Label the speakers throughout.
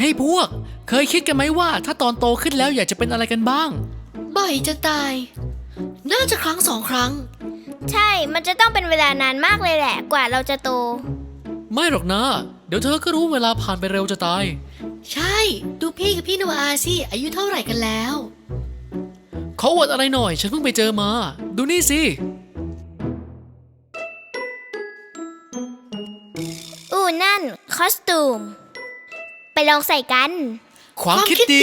Speaker 1: ให้พวกเคยคิดกันไหมว่าถ้าตอนโตขึ้นแล้วอยากจะเป็นอะไรกันบ้าง
Speaker 2: บ่อยจะตายน่าจะครั้ง2 ครั้ง
Speaker 3: ใช่มันจะต้องเป็นเวลานานมากเลยแหละกว่าเราจะโต
Speaker 1: ไม่หรอกนะเดี๋ยวเธอก็รู้เวลาผ่านไปเร็วจะตาย
Speaker 2: ใช่ดูพี่กับพี่โนอาสิอายุเท่าไหร่กันแล้ว
Speaker 1: เขาอวดอะไรหน่อยฉันเพิ่งไปเจอมาดูนี่สิ
Speaker 3: นั่นคอสตูมไปลองใส่กัน
Speaker 1: ความคิดดี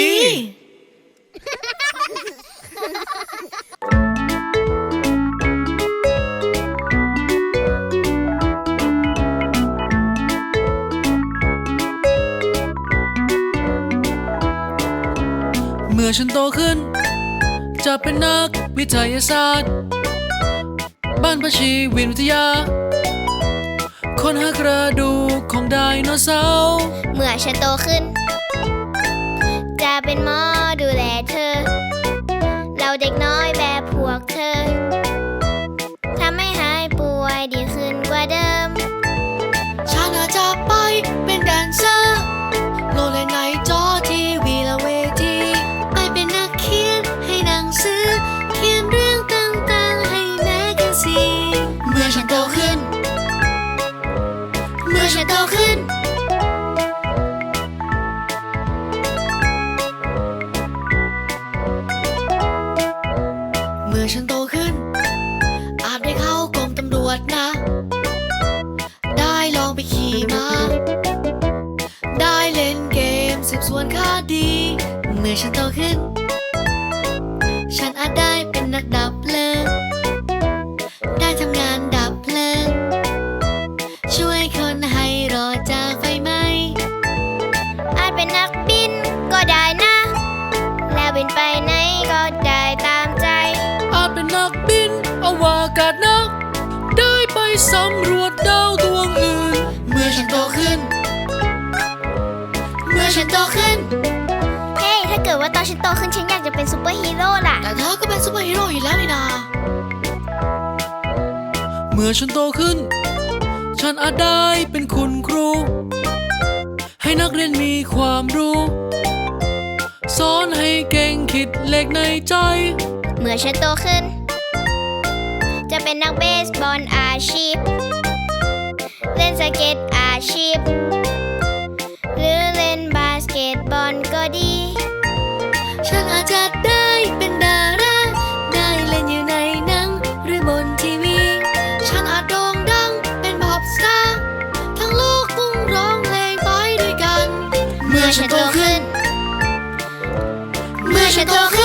Speaker 1: เมื่อฉันโตขึ้นจะเป็นนักวิทยาศาสตร์บ้านประชีวิทยาค้นหากระดูกของไดโนเสาร์
Speaker 3: เมื่อฉันโตขึ้นจะเป็นหมอดูแลเธอเราเด็กน้อยแบบพวกเธอทำให้หายป่วยดีขึ้นกว่าเดิม
Speaker 2: ฉันอาจจะไปเป็นแดนเซอร์โลเลนในจอทีวีและเวทีไปเป็นนักเขียนให้หนังสือเขียนเรื่องต่างๆให้แมกกาซีนเมื่อฉันโตขึ้นเมื่อฉันโตขึ้นเมื่อฉันโตขึ้นอาจได้เข้ากรมตำรวจนะได้ลองไปขี่ม้าได้เล่นเกมสืบสวนคดีเมื่อฉันโตขึ้นฉันอาจได้เป็นนักดับเพลิงได้ทำงานดับเพลิงช่วยคนให้รอดจากไฟไหม้
Speaker 3: อาจเป็นนักบินก็ได้นะแล้วบินไปไหนก็ได้ตามใจ
Speaker 1: อาจเป็นนักบินอวกาศนักได้ไปสำรวจดาวดวงอื่น
Speaker 2: เมื่อฉันโตขึ้นเมื่อฉันโตขึ้น
Speaker 3: เฮ้ถ้าเกิดว่าตอนฉันโตขึ้นฉันอยากจะเป็นซูเปอร์ฮีโร่ล่ะ
Speaker 2: แต่เธอก็เป็นซูเปอร์ฮีโร่อยู่แล้วนี่นา
Speaker 1: เมื่อฉันโตขึ้นฉันอาจได้เป็นคุณครูให้นักเรียนมีความรู้สอนให้เก่งคิดเลขในใจ
Speaker 3: เมื่อฉันโตขึ้นจะเป็นนักเบสบอลอาชีพเล่นสเก็ตอาชีพหรือเล่นบาสเกตบอลก็ดี
Speaker 2: ฉันอาจจะได้เป็นดาราได้เล่นอยู่ในหนังหรือบนทีวีฉันอาจโด่งดังเป็นพ็อปสตาร์ทั้งโลกต้องร้องเพลงไปด้วยกันเมื่อฉันโตขึ้นเมื่อฉันโตขึ้น